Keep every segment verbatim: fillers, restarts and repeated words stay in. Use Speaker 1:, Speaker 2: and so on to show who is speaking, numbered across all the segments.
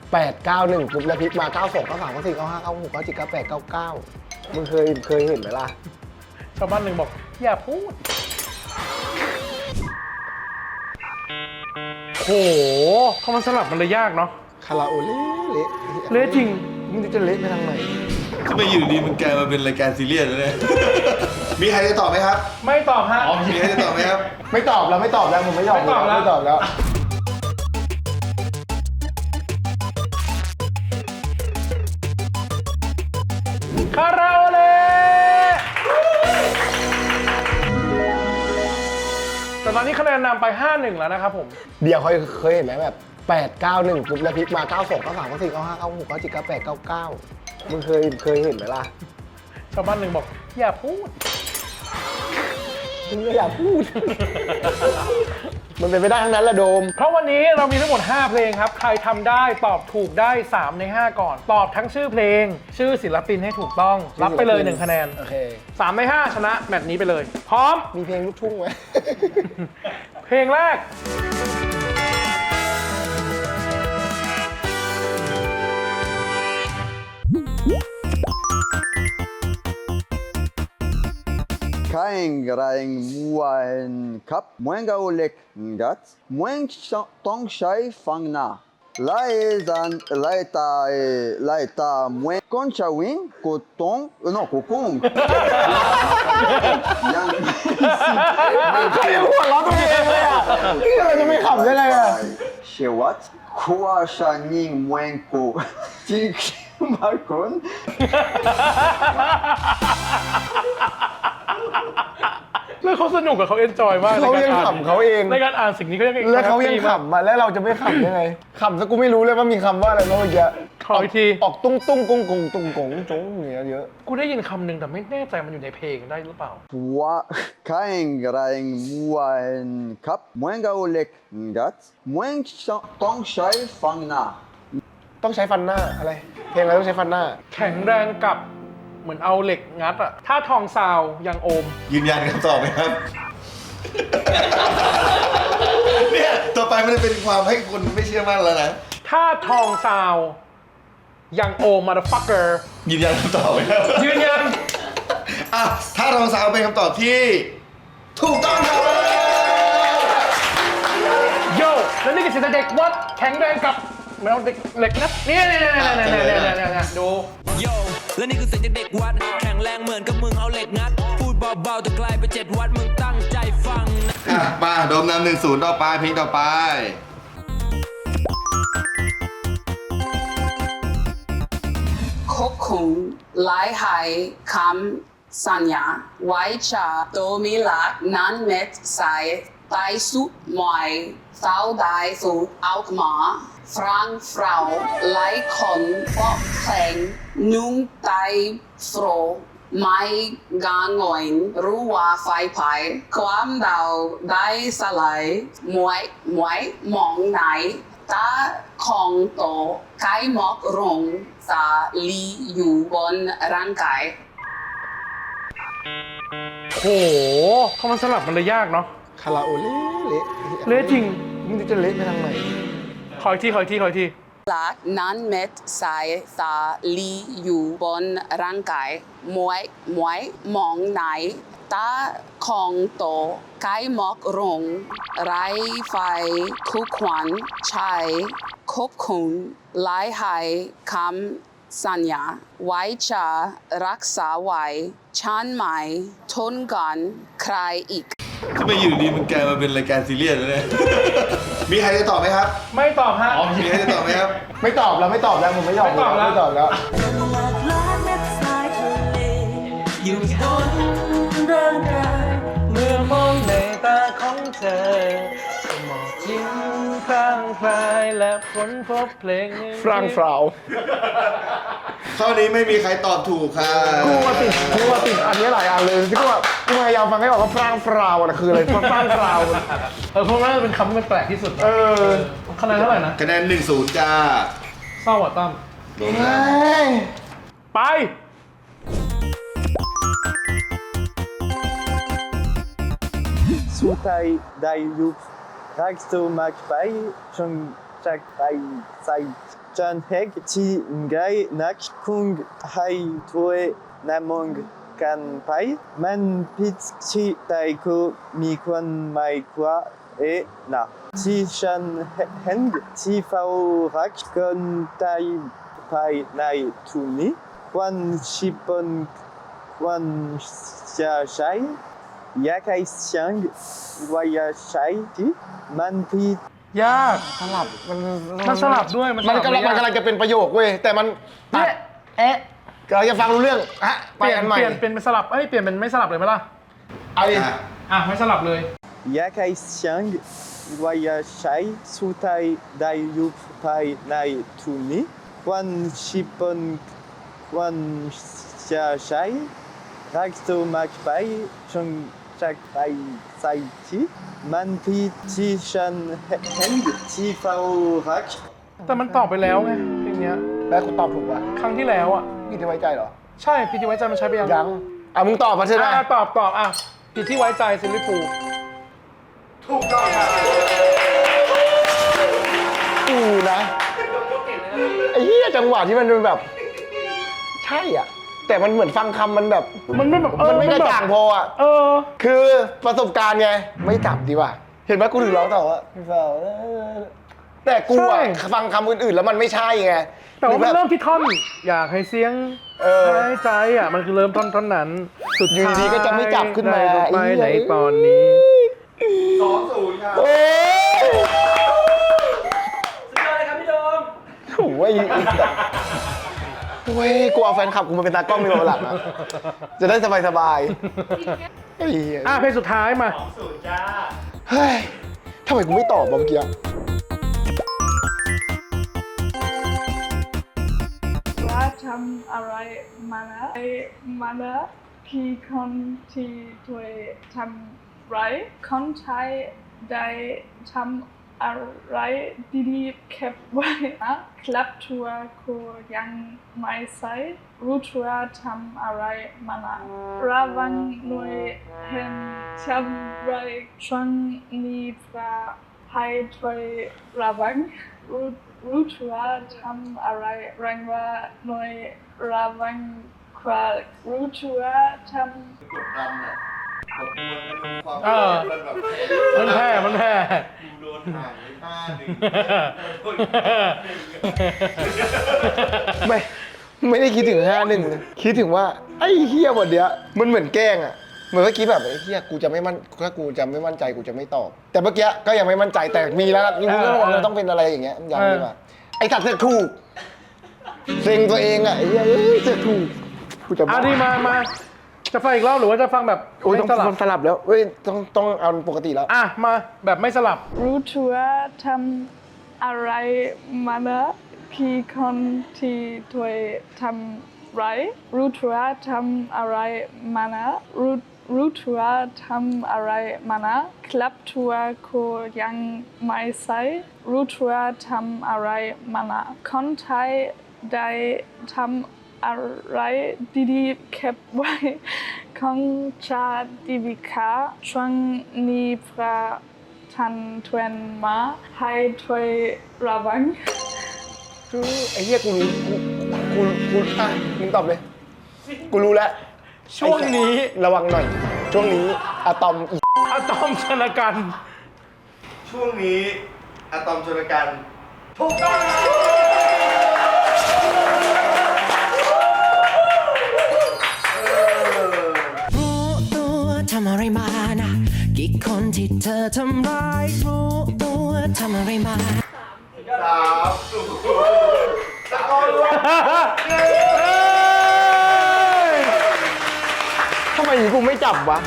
Speaker 1: แปด เก้า หนึ่งปุ๊บแล้วพลิกมาเก้า สอง เก้า สาม เก้า สี่ เก้า ห้า เก้า หก เก้า เจ็ด เก้า แปด เก้า เก้ามึงเคยเคยเห็นไหมล่ะ
Speaker 2: ชาวบ้านหนึ่งบอกอย่าพูดโหพอมันสลับมันเลยยากเนาะ
Speaker 1: คาราโอเล่เละ
Speaker 2: เละจริง
Speaker 1: มึงจะเละไปทางไหน
Speaker 3: ทำไมอยู่ดีมันกลายมาเป็นรายการซีเรียสเลยมีใครจะตอบไหมครับ
Speaker 2: ไม่ตอบฮะ
Speaker 3: มีใครจะตอบไหมครับ
Speaker 1: ไม่ตอบแล้วไม่ตอบแล้วผมไม่ยอม
Speaker 2: ไม่ตอบแล้ว
Speaker 1: ไม่ตอบแล้ว
Speaker 2: คาราโอเล่แต่ตอนนี้คะแนนนำไป ห้าหนึ่ง แล้วนะครับผม
Speaker 1: เดี๋ยวเคยเคยเห็นไหมแบบแปด เก้า หนึ่งปุ๊บแล้วพลิกมาเก้า สอง เก้า สาม เก้า สี่ เก้า ห้า เก้า หก เก้า เจ็ด เก้า แปด เก้า เก้ามึงเคยเคยเห็นไหมล่ะ
Speaker 2: ชาวบ้านหนึ่งบอกอย่าพูด
Speaker 1: มึงก็อย่าพูดมันเป็นไปได้ทั้งนั้นแหละโดม
Speaker 2: เพราะวันนี้เรามีทั้งหมดห้าเพลงครับใครทำได้ตอบถูกได้สามในห้าก่อนตอบทั้งชื่อเพลงชื่อศิลปินให้ถูกต้องรับไปเลยหนึ่งคะแนน
Speaker 1: โอเค
Speaker 2: สามในห้าชนะแมตช์นี้ไปเลยพร้อม
Speaker 1: มีเพลงลูกทุ่งไหม
Speaker 2: เพลงแรก
Speaker 4: Kain graing muaen kap muenga olek ngat mueng tong shai fangna laezan laeta laeta muen concha win kotong no kokong
Speaker 1: ยังใครหัวเราะตัวเองเลยอ่ะนี่เราจะไม่ขำได้ไงอ่ะ
Speaker 4: Shewat kwa shaning muenko tik markon
Speaker 2: แล้วเขาสนุกกับเขาเอนจอยมาก
Speaker 1: เขายังขำเขาเอง
Speaker 2: ในการอ่านสิ่งนี้เขายัง
Speaker 1: แล้วเขายังขำมาแล้วเราจะไม่ขำยังไงขำซะกูไม่รู้เลยว่ามีคำว่าอะไรเมื่อกี้
Speaker 2: ขออีกที
Speaker 1: ออกตุ้งตุ้งกงกงตุ้งกงจงเงี้ยเยอะ
Speaker 2: กูได้ยินคำหนึ่งแต่ไม่แน่ใจมันอยู่ในเพลงได้หรือเปล่า
Speaker 4: ว่า kain graing muaen kap muenga olek ngat mueng tong shai fangna
Speaker 1: ต้องใช้ฟันหน้าอะไรเพลงอะไรต้องใช้ฟันหน้า
Speaker 2: แข็งแรงกับเหมือนเอาเหล็กงัดอะถ้าทองซาวยังโอม
Speaker 3: ยืนยันคำตอบไหมครับเนี่ยต่อไปมันจะเป็นความให้คนไม่เชื่อมั่นแล้วนะ
Speaker 2: ถ้าทองซาวยังโอม motherfucker
Speaker 3: ยืนยันคำตอบไหมครับ
Speaker 2: ยืนยัน
Speaker 3: อ่ะถ้าทองซาวเป็นคำตอบที่ถูกต้องครับ
Speaker 2: โย่แล้วนี่ก็คือเด็กวัดแข็งแรงกับเหมือนเอาเด็กเหล็กงัดเนี่ยเนี่ยเนี่ยเนี่ยเนี่ยเนี่ยดู
Speaker 5: โย่และนี่คือเสียงจากเด็กวัดแข็งแรงเหมือนกับมึงเอาเหล็กงัดพูดเบาๆแต่ไกลไปเจ็ดวัดมึงตั้งใจฟัง
Speaker 3: อ่ะมาโดมนำหนึ่งศูนย์ต่อไปเพลงต่อไป
Speaker 6: คบคุงหลายหายคำสัญญาไว้ชาโตมิลักนั้นเม็ดใสไตสุดมวยเศร้าได้สูดเอามาฟรังฟราวไล่คนปอกแข็งนุ่งไตโฟรไม่กางงอยรู้ว่าไฟไผ่ความเดาได้สลายมวยมวยมองไหนตาของโตไก่หมอกรงสาลีอยู่บนร่างกาย
Speaker 2: โหพอมันสลับมันเลยยากเนาะ
Speaker 1: คาราโอเล่เละ
Speaker 2: เละจริง
Speaker 1: มึงจะเละไปทางไหน
Speaker 2: ขออีกทีขออีกทีขออีกที
Speaker 6: ลักนั้นเม็ดสายสาลีอยู่บนร่างกายมวยมวยมองไหนตาของโตไก่หมอกรงไรไฟคุกควันใช้คบคุนหลายหายคำสัญญาไว้จะรักษาไว้ฉันไม่ทนกันใครอีก
Speaker 3: ทำไมอยู่ดีมันกลายมาเป็นรายการซีเรียสเลยมีใครจะตอบไหมครับ
Speaker 2: ไม่ตอบฮะ
Speaker 3: มีใครจะตอบไหมครับ
Speaker 1: ไม่ตอบแล้วไม่ตอบแล้วผมไม่ยอม
Speaker 2: ไม่ตอบแล้ว
Speaker 1: ไม่ตอบแล้ว
Speaker 2: อยู่บนร่างกายเมื่อมองในตาของเธอสมองยิ้มพร่างพรายและค้นพบเพลง
Speaker 1: ฟรังฟราว
Speaker 3: ข้อนี้ไม่มีใครตอบถูกค่ะ
Speaker 1: กูมาติดกูมาติดอันนี้หลายอันเลยที่กูแบบกูพยายามฟังให้ออกว่าฟรังฟราวนะคืออะไรฟรังฟราว
Speaker 2: เออเพราะว่าเป็นคำที่มันแปลกที่สุด
Speaker 1: เออ
Speaker 2: คะแนนเท่าไหร่นะ
Speaker 3: คะแนนหนึ่งศูนย์จ้า
Speaker 2: เศร้าอ่ะตั้มไป
Speaker 7: สุดท้ายได้ยุบรักสมัครไปจนจากไปใส่
Speaker 2: จันเฮกที่ไงนักคงให้ถ้วยนามงกันไปมันผิดที่ไต้ก็มีคนไม่กว่าเอ๊ะนะที่ฉันเห็นที่เฝ้ารักคนไต้ไปในทุนนี้วันชิปนวันจะใช้อยากให้เสียงว่าอยากใช้ที่มันผิด
Speaker 7: ยาก
Speaker 1: สลับมัน
Speaker 7: มันสลับด้วย
Speaker 1: มัน
Speaker 7: สลับ
Speaker 1: กำลัง
Speaker 7: ไม่
Speaker 1: มัน
Speaker 7: ยาก
Speaker 1: กำลังจะเป็นประโยคเว้ยแต่มันตัด
Speaker 7: เนี่ยเอ๊ะ
Speaker 1: กำลังจะฟังรู้เรื่องฮะ
Speaker 7: เป
Speaker 1: ไป
Speaker 7: ลี่ยน
Speaker 1: อันใหม่
Speaker 7: เปลี่ยนเป็นสลับเอ้ยเปลี่ยนเป็นไม่สลับเลยไหมล่ะ
Speaker 1: เอาดิ
Speaker 3: อ่ะ
Speaker 7: อ่ะไม่สลับเลย
Speaker 2: อยากให้เสียงว่าอยากใช้สุดท้ายได้อยู่ภายในทุนนี้วันชิปนวันจะใช้รักตัวมากไปจนจากไปใส่ที่มันผิดที่ฉันเห็นที่เฝ้ารัก
Speaker 7: แต่มันตอบไปแล้วไงเพลงเนี้ย
Speaker 1: แล้วกูตอบถูกป่ะ
Speaker 7: ครั้งที่แล้วอ่ะ
Speaker 1: พี่จะไว้ใจเหรอ
Speaker 7: ใช่พี่ที่ไว้ใจมันใช้ไปยัง
Speaker 1: ยังอ่ะมึงตอบมาใช่ไหม
Speaker 7: อ่ะตอบตอบอ่ะผิดที่ไว้ใจซิลลิฟูล
Speaker 1: กูนะไอ้เหี้ยจังหวะที่มันเป็นแบบ ใช่อ่ะ แต่มันเหมือนฟังคำมันแบบ
Speaker 7: มันไม่แบบเออ
Speaker 1: มันไม่กระ
Speaker 7: แบบ
Speaker 1: จ่างพออ่ะ
Speaker 7: เออ
Speaker 1: คือประสบการณ์ไง ไม่จับดีกว่า เห็นไหมกูถึงร้องต่อว่าพี่เฝ้าแต่กูอ่ะ
Speaker 7: ใช่
Speaker 1: ฟังคำอื่นๆแล้วมันไม่ใช่ไง
Speaker 7: แต่ว่ามัน
Speaker 1: หอแบบ
Speaker 7: เริ่มที่ท่อนอยากให้เสียง
Speaker 1: เออ
Speaker 7: หายใจอ่ะมันคือเริ่มท่อนท่อนนั้นสุด
Speaker 1: อยู่ดีๆก็จะไม่จับขึ้นมา
Speaker 7: ได้ไป
Speaker 1: ไอ้เหี้ย
Speaker 7: ในตอนนี้
Speaker 3: สองศูนย์ครับ
Speaker 1: โอ้ย
Speaker 2: สุดยอดเลยครับพี่โดม
Speaker 1: โอ้ยโอ้ยกูเอาแฟนคลับกูมาเป็นตากล้องในวันหลังนะจะได้สบายๆไอ้เหี้ย
Speaker 7: อ่ะเพลงสุดท้ายมา
Speaker 1: เฮ้ยทำไมกูไม่ตอบวะเมื่อกี้
Speaker 8: ว่าทำอะไรมานะไอ้มานะพี่คนที่ช่วยทำไรคนไทยได้ทำอะไรดีๆเก็บไว้นะคลับทัวร์ก็ยังไม่ใส่รู้ทัวร์ทำอะไรมานะระวังหน่วยเห็นทำไรช่วงนี้พระให้ช่วยระวังรู้รู้ทัวร์ทำอะไรแรงว่าหน่วยระวังความรู้ทัวร์ทำ
Speaker 3: กดดันอ่ะกดดันความ
Speaker 7: เออ
Speaker 3: มันแบบ
Speaker 7: มันแพ้มันแพ้
Speaker 3: กูโดนห่างไปห้าหนึ่ง
Speaker 1: ไม่ไม่ได้คิดถึงห้าหนึ่งเลยคิดถึงว่าไอ้เฮียวันเนี้ยมันเหมือนแกล้งอ่ะเหมือนเมื่อกี้แบบไอ้เฮียกูจะไม่มั่นถ้ากูจะไม่มั่นใจกูจะไม่ตอบ แต่เมื่อกี้ก็ยังไม่มั่นใจแต่มีแล้วนี่มึงก็ระวังมันต้องเป็นอะไรอย่างเงี้ยอย่างนี้มาไอ้สัตว์เสือกถูกเซ็งตัวเองอ่ะไอ้เฮียเอ้ยเสือกถูกกูจะ
Speaker 7: อ่ะดีมามาจะฟังอีกรอบหรือว่าจะฟังแบบ
Speaker 1: โอ้ยต้อง
Speaker 7: ไม่สลับ
Speaker 1: ต้องสลับแล้วเว้ยต้องต้องเอาปกติแล้ว
Speaker 7: อ่ะมาแบบไม่สลับ
Speaker 8: รู้ทัวร์ทำอะไรมานะพี่คนที่ช่วยทำไรรู้ทัวร์ทำอะไรมานะรู้รู้ทัวร์ทำอะไรมานะคลับทัวร์ก็ยังไม่ใส่รู้ทัวร์ทำอะไรมานะคนไทยได้ทำอะไรดีๆเก็บไว้ของชาติวิคาช่วงนี้พระทันทวนมาให้ช่วยระวัง
Speaker 1: คือไอ้เหี้ยกูรู้กูกูกูอ่ะมึงตอบเลย กูรู้แล้ว
Speaker 7: ช่วงนี้
Speaker 1: ระวังหน่อย ช่วงนี้อะตอมอี
Speaker 7: อะตอมชนกัน
Speaker 3: ช่วงนี้อะตอมชนกัน
Speaker 5: รู้ตัวทำอะไรมานะกี่คนที่เธอทำร้ายรู้ตัวทำอะไรมา
Speaker 3: สามศูนย์ตะโกนว่า
Speaker 1: ทำไมกูไม่จับวะ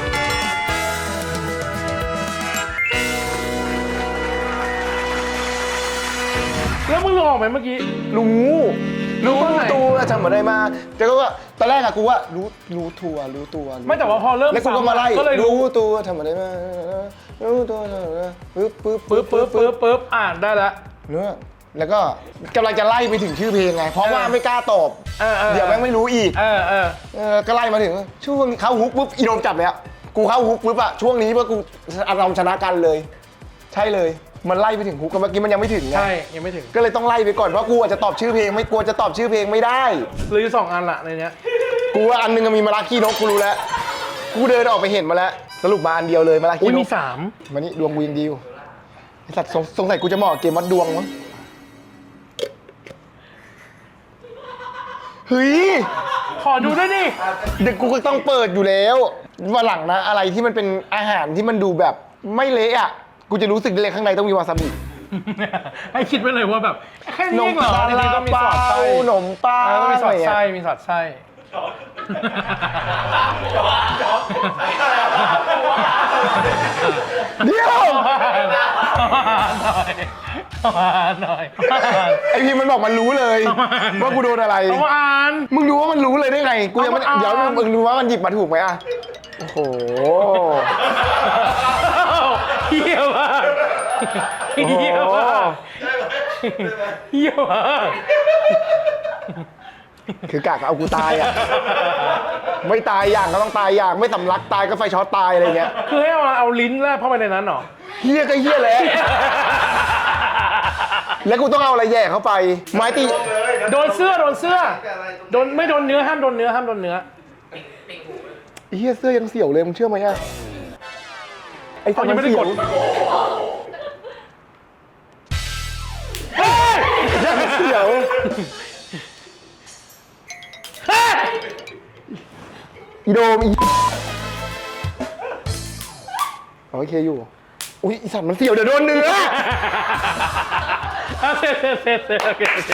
Speaker 7: แล้วมึงรู้ออกไหมเมื่อกี้
Speaker 1: รู้ รู้
Speaker 7: ตอนไหน
Speaker 1: ตัวจำอะไรมาแต่ก็ว่าตอนแรกอะกูว่ารู้รู้ตัวรู้ตัวรู้
Speaker 7: ไม่แต่ว่าพอเริ่ม
Speaker 1: แล้วกูก็มาไล่
Speaker 7: ก็เลยรู้
Speaker 1: รู้ตัวทำอะไรมารู้ตัวปึ๊บปึ๊บ
Speaker 7: ปึ๊บปึ๊บปึ๊บปึ๊บอ่านได้แล้ว
Speaker 1: เนื้อแล้วก็กำลังจะไล่ไปถึงชื่อเพลงไง เพราะว่า
Speaker 7: เออ
Speaker 1: ไม่กล้าตอบ
Speaker 7: เออเออ
Speaker 1: เดี๋ยวแม่งไม่รู้อีก
Speaker 7: เออเออ
Speaker 1: เออก็ไล่มาถึงช่วงเข้าฮุกปุ๊บอีโดมจับเลยอะกูเข้าฮุกปุ๊บอะช่วงนี้ว่ากูอารมณ์ชนะกันเลย ใช่เลยมันไล่ไปถึงฮุกกันเมื่อกี้มันยังไม่ถึงไง
Speaker 7: ใช่ ยังไม่ถึง
Speaker 1: ก็เลยต้องไล่ไปก่อนเพราะกูอาจจะตอบชื่อเพลงไม่กลัวจะตอบชื่อเพลงไม่ได้
Speaker 7: หรือสองอันละในเนี้ย
Speaker 1: กูว่าอันนึงมีมาราคีนกกูรู้แล้ว กูเดินออกไปเห็นมาแล้ว สรุปมาอันเดียวเลยมาราคี
Speaker 7: อุ้ย
Speaker 1: น
Speaker 7: มี
Speaker 1: ก
Speaker 7: สาม
Speaker 1: มานี่ดวงกูยังดีอยู่ไอสัตว์สงสงสัยกูจะเหมาะกับเกมวัดดวงมั้งเฮ้ย
Speaker 7: ขอดูด้วยดิ
Speaker 1: เดี๋ยวกูก็ต้องเปิดอยู่แล้ววันหลังนะ อะไรที่มันเป็นอาหารที่มันดูแบบไม่เละอ่ะ กูจะรู้สึกได้เลยข้างในต้องมีวาซาบิ
Speaker 7: ให้คิดไว้เลยว่าแบบแค่
Speaker 1: ขน
Speaker 7: นี้
Speaker 1: ม
Speaker 7: เองเหรอ
Speaker 1: ปลา
Speaker 7: ในนี้ต้องมีสอดไส้
Speaker 1: ขนมปัง
Speaker 7: เออต้องมีสอดไส้
Speaker 1: อะไรเงี้ย
Speaker 7: มีสอดไส้
Speaker 1: เดี๋ยว
Speaker 7: หน่อย
Speaker 1: ไอพีมันบอกมันรู้เลย ว่ากูโดนอะไร
Speaker 7: ต้องอ่าน
Speaker 1: มึงรู้ว่ามันรู้เลยได้ไง กูยังไม่
Speaker 7: เอามาอ่าน
Speaker 1: เดี๋ยวมึงรู้ว่ามันหยิบมาถูกไหมอ่ะ โอ้โห
Speaker 7: เฮียมากเฮียมากเฮียมาก
Speaker 1: คือกะเอากูตายอ่ะ ไม่ตายอย่างก็ต้องตายอย่าง ไม่สำลักตายก็ไฟช็อตตายอะไรเงี้ย
Speaker 7: คือให้เอาเอาลิ้นแลบเข้าไปในนั้นเหรอ
Speaker 1: เฮียก็เฮียแหล้ว แล้วกูต้องเอาอะไรแย่เข้าไป ไม้ตี
Speaker 7: โดนเสื้อโดนเสื้อโดนไม่โดนเนื้อห้ามโดนเนื้อห้ามโดนเนื้อ
Speaker 1: เฮียเสื้อยังเสี่ยวเลยมึงเชื่อไหมอ่ะ ไอ้สัตว์
Speaker 7: ยัง
Speaker 1: มัน
Speaker 7: ไม่ได้
Speaker 1: เสี่
Speaker 7: ก
Speaker 1: ยว
Speaker 7: ดเฮ้ย
Speaker 1: ยังเสี่ยว
Speaker 7: เฮ้ย
Speaker 1: อีโดมอีโอเคอยู่ อุ้ยอีสัตว์มันเสี่ยวเดี๋ยวโดนเนื้อ
Speaker 7: อ่ะเสร็จเสร็จเสร็จเสร็จโอเคโอเค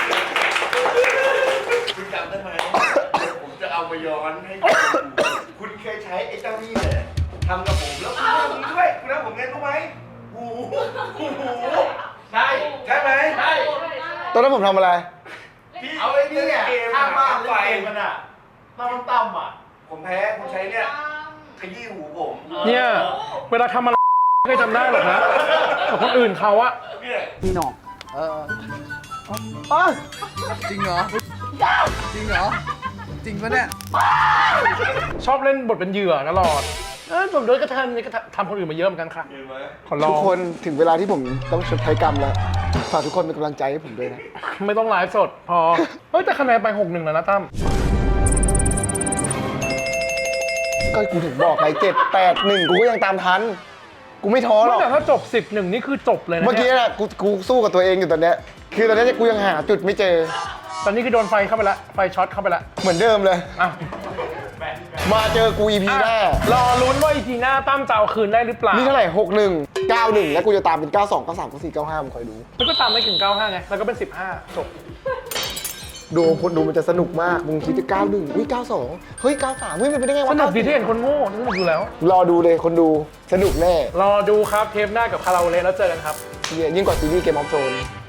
Speaker 3: คุณจำได้ไหมผมจะเอามาย้อนให้ดูคุณเคยใช้ไอ้เจ้านี่เลยทำกับผมแล้วคุณทำผมด้วยคุณทำผมไงรู้ไหมหูหูใช่ใช่ไหมใช่
Speaker 1: ตอนนั้นผมทำอะไร
Speaker 3: พี่เอาไอ้นี่เนี่ยข้างบ้านไฟมันอ่ะน้ำต่ำอ่ะผมแพ้คุณใช้เนี่ยขยี้หูผม
Speaker 7: เนี่ยเวลาทำอะไรไม่เคยจำได้หรอกนะแต่คนอื่นเขาอะ
Speaker 3: เนี่ย
Speaker 4: พี่หนอกเออ
Speaker 1: อ๋อ
Speaker 4: จริงเหรอ จริงเหรอ จริงปะเนี่ย
Speaker 7: ชอบเล่นบทเป็นเหยื่อตลอดเออผมโดนกระทำนี่ก็ทำคนอื่นมาเยอะเหมือนกันค่ะ
Speaker 3: เห็นไหม
Speaker 7: ขอลอ
Speaker 1: ทุก
Speaker 7: ง
Speaker 1: คนถึงเวลาที่ผมต้องชดใช้กรรมแล้ว ฝากทุกคนเป็นกำลังใจให้ผมด้วยนะ
Speaker 7: ไม่ต้องไลฟ์สดพอ เฮ้ยแต่คะแนนไปหกหนึ่งแล้วนะตั้ม
Speaker 1: ก็กูถึงบอกไงเจ็ดแปดหนึ่งกูก็ยังตามทัน กูไม่ท้อหรอก
Speaker 7: แต่ถ้าจบสิบหนึ่งนี่คือจบเลยนะ
Speaker 1: เมื่อกี้
Speaker 7: นี่ย
Speaker 1: น่ะกูกูสู้กับตัวเองอยู่ตอนเนี้ย คือตอนเนี้ยกูยังหาจุดไม่เจอ
Speaker 7: ตอนนี้คือโดนไฟเข้าไปละไฟช็อตเข้าไปละ
Speaker 1: เหมือนเดิมเลย
Speaker 7: อ่ะ
Speaker 1: มาเจอกู อี พี หน้า
Speaker 7: รอลุ้นว่าอีพีหน้าตั้มจะเอาคืนได้หรือเปล่า
Speaker 1: นี่เท่าไหร่หกหนึ่งเก้าหนึ่งแล้วกูจะตามเป็นเก้าสองเก้าสามเก้าสี่เก้าห้ามึงคอยดู
Speaker 7: แล้วก็ตามไม่ถึงเก้าห้าไงแล้วก็เป็นสิบห้าจบ
Speaker 1: ดูคนดูมันจะสนุกมาก มึงคิดจะเก้าหนึ่งอุ้ยเก้าสองเฮ้ยเก้าสามเฮ้ยมันเป็นได้ไง
Speaker 7: ส
Speaker 1: วะ
Speaker 7: นุกดีที่เห็นคนโง่สนุกอยู่แล้ว
Speaker 1: รอดูเลยคนดูสนุกแน่
Speaker 7: รอดูครับเทปหน้ากับคาราโอเกะแล้วเจอกันครับ
Speaker 1: เหี้ยยิ่งกว่าซีรีส์เกมออฟโธรนส์